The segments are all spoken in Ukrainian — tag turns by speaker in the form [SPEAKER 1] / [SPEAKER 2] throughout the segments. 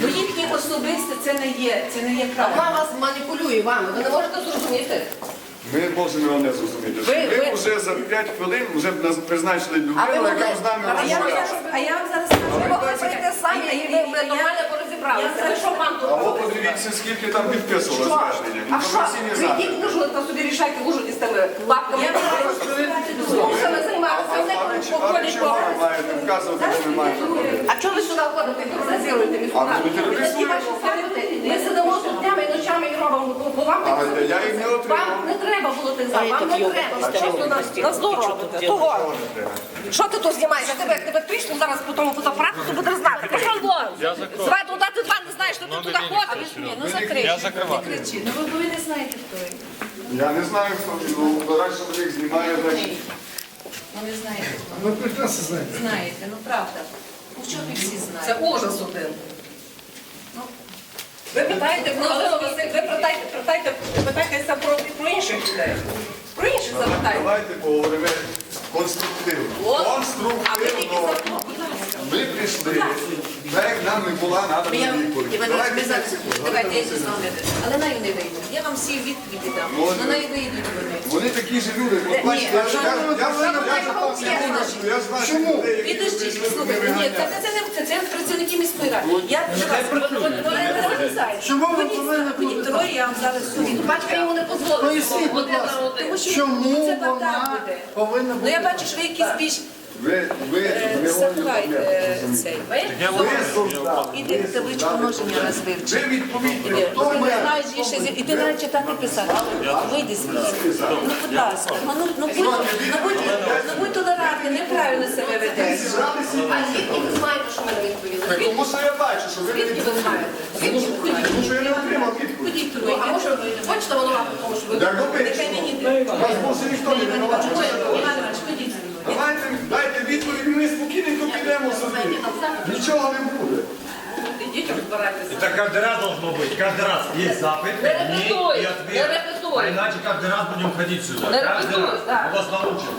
[SPEAKER 1] Бо їхні особисті це не є правильно.
[SPEAKER 2] Вона вас маніпулює вами, ви не можете зрозуміти.
[SPEAKER 3] Ми можемо не зрозуміти. Ви вже за 5 хвилин вже нас призначили людину, яка з нами розмовляє.
[SPEAKER 1] А я вам зараз скажу.
[SPEAKER 2] Ви могли прийти самі, і ви нормально порозібралися. Ви що вам тут?
[SPEAKER 3] А от подивіться, скільки там підписувало
[SPEAKER 2] Що?
[SPEAKER 3] звернення.
[SPEAKER 2] А що?
[SPEAKER 3] Інформаційні
[SPEAKER 2] Ви йдіть в Ужгород, та собі рішайте в Ужгороді з тими бабками. Змусами займатися, вони
[SPEAKER 3] А ви чого ви маєте вказувати, що ми маємо робити?
[SPEAKER 2] А чого ви сюди ходите, тероризуєте міську
[SPEAKER 3] А
[SPEAKER 2] раду?
[SPEAKER 3] ми тероризуємо.
[SPEAKER 2] Ми сидимо тут днями і ночами і робимо, бо вам
[SPEAKER 3] А я їх не отримав.
[SPEAKER 2] Вам не треба було тих зал, вам не треба. Що ж ви на зло робите? Того.
[SPEAKER 3] Чого не треба?
[SPEAKER 2] Що ти тут знімаєш? Як тебе трішну зараз по тому фотоапарату, ти будеш знати. Пішов вон. Звай туди, ти два не знаєш, що ти туди ходиш.
[SPEAKER 1] Ну закрий.
[SPEAKER 4] Я закриваю.
[SPEAKER 1] Не кричи. Ну ви не знаєте, хто він.
[SPEAKER 3] Я не знаю, хто він. Ну, радше їх знімає.
[SPEAKER 1] Ну не знаєте, хто.
[SPEAKER 5] Ми прекрасно знаємо.
[SPEAKER 1] Знаєте, ну правда. Ну що ви всі
[SPEAKER 2] Це
[SPEAKER 1] знаєте?
[SPEAKER 2] ужас один. Ви питаєте, ви питаєтеся про інших людей. Про інших запитайте.
[SPEAKER 3] Давайте поговоримо конструктивно.
[SPEAKER 2] От.
[SPEAKER 3] Конструктивно. Ми прийшли, так як нам не була надана відповідь. Давайте 5 секунд.
[SPEAKER 1] Давайте я зі вами. Але нею не вийде. Я вам всі відповіді дам. На неї вийдуть вони.
[SPEAKER 3] Вони такі ж люди. От бачите, я знаю,
[SPEAKER 5] Чому?
[SPEAKER 1] Підождіть, слухайте, ні, це працівники міської ради. Я
[SPEAKER 5] Чому ви повинні
[SPEAKER 1] Ходіть троє, я вам зараз сумію.
[SPEAKER 2] Батька йому не дозволив.
[SPEAKER 5] Поясніть, будь ласка,
[SPEAKER 1] Тому що
[SPEAKER 5] чому
[SPEAKER 1] це бардак
[SPEAKER 5] вона
[SPEAKER 1] буде.
[SPEAKER 5] повинна
[SPEAKER 1] Ну я
[SPEAKER 5] бути?
[SPEAKER 1] бачу, що ви якісь більш
[SPEAKER 3] ви
[SPEAKER 1] заховайте цей.
[SPEAKER 3] солдат.
[SPEAKER 1] Іди табличку множення раз вивчи.
[SPEAKER 3] Ви відповідні.
[SPEAKER 1] Іди. Ти знаєш, є ще і ти навіть читати писати. Вийди звідси. Ну, будь ласка, будь толерантний, неправильно себе ведеш.
[SPEAKER 2] А звідки ви знаєте, що ми не відповіли?
[SPEAKER 3] Тому що я бачу, що ви не
[SPEAKER 2] Звідки ви знаєте?
[SPEAKER 3] Тому що я не отримав відповідь.
[SPEAKER 1] Ходіть
[SPEAKER 2] Ну,
[SPEAKER 1] троє.
[SPEAKER 2] а може, хочете винувати в тому, що ви...
[SPEAKER 3] Як робити?
[SPEAKER 1] Нехай мені йде.
[SPEAKER 3] Вас більше ніхто не винувачує.
[SPEAKER 1] Іван Іванович, ходіть.
[SPEAKER 3] Давайте, дайте відповідь, ми спокійненько підемо собі. Нічого не буде.
[SPEAKER 2] Ідіть, розбирайтеся.
[SPEAKER 4] Это каждый раз должно быть. Каждый раз есть запад,
[SPEAKER 2] Не
[SPEAKER 4] нет
[SPEAKER 2] репетуй,
[SPEAKER 4] и
[SPEAKER 2] не
[SPEAKER 4] ответ.
[SPEAKER 2] репетуй.
[SPEAKER 4] А иначе каждый раз будем ходить сюда.
[SPEAKER 2] Не
[SPEAKER 4] Каждый
[SPEAKER 2] репетуй,
[SPEAKER 4] раз.
[SPEAKER 2] да.
[SPEAKER 4] Мы вас научим.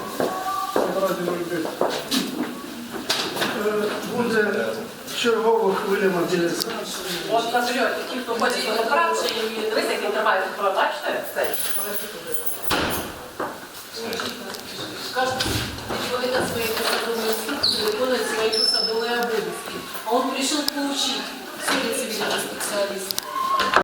[SPEAKER 5] Буде чергова хвиля мобілізації.
[SPEAKER 2] От наберете, ті, хто ходять на правду, дивіться, як він тримає зброю, бачите? Цей.
[SPEAKER 6] Каждый человек от своей посадовой инструкции выполняет свои посадовые обязанности. А он пришел поучить, судя цивильного специалиста.